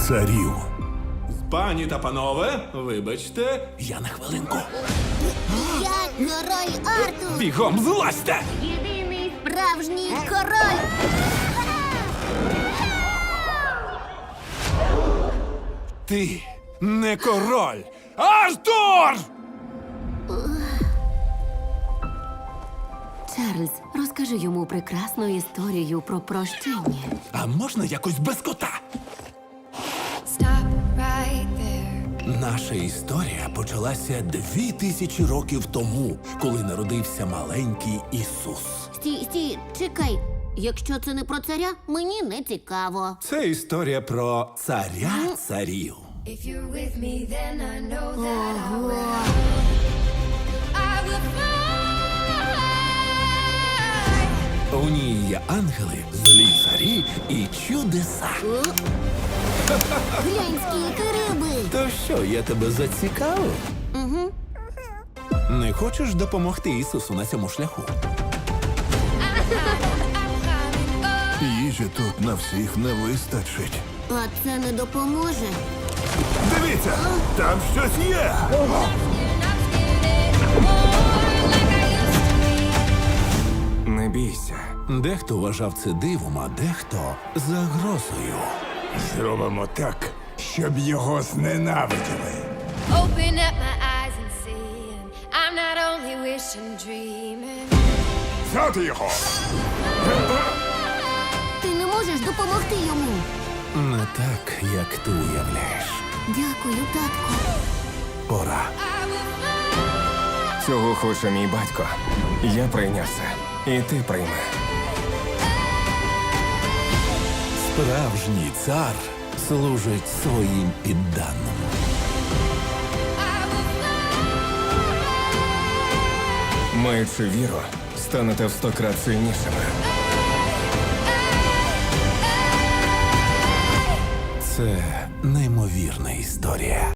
царів. Пані та панове, вибачте, я на хвилинку. Я король Артур! Бігом злазьте! Єдиний справжній король! Ти не король! Артур! Чарльз, розкажи йому прекрасну історію про прощення. А можна якось без кота? Stop right there. Наша історія почалася 2000 років тому, коли народився маленький Ісус. Стій, чекай. Якщо це не про царя, мені не цікаво. Це історія про царя царів. If you're with me, then I know that I will fly. У ній є ангели, злі царі і чудеса. Глянь, скільки риби! То що, я тебе зацікавив? Угу. Не хочеш допомогти Ісусу на цьому шляху? Їжі тут на всіх не вистачить. А це не допоможе. Дивіться, там щось є. Не бійся. Дехто вважав це дивом, а дехто загрозою. Зробимо так, щоб його зненавиділи. Open up my eyes and see. And I'm not only wishing, dreaming. Взяти його! Ти не можеш допомогти йому. Не так, як ти уявляєш. Дякую, татку. Пора. Цього хоче мій батько. Я прийняв це. І ти прийми. Справжній цар служить своїм підданим. Маючи віру, станете в 100 крат сильнішими. Це неймовірна історія.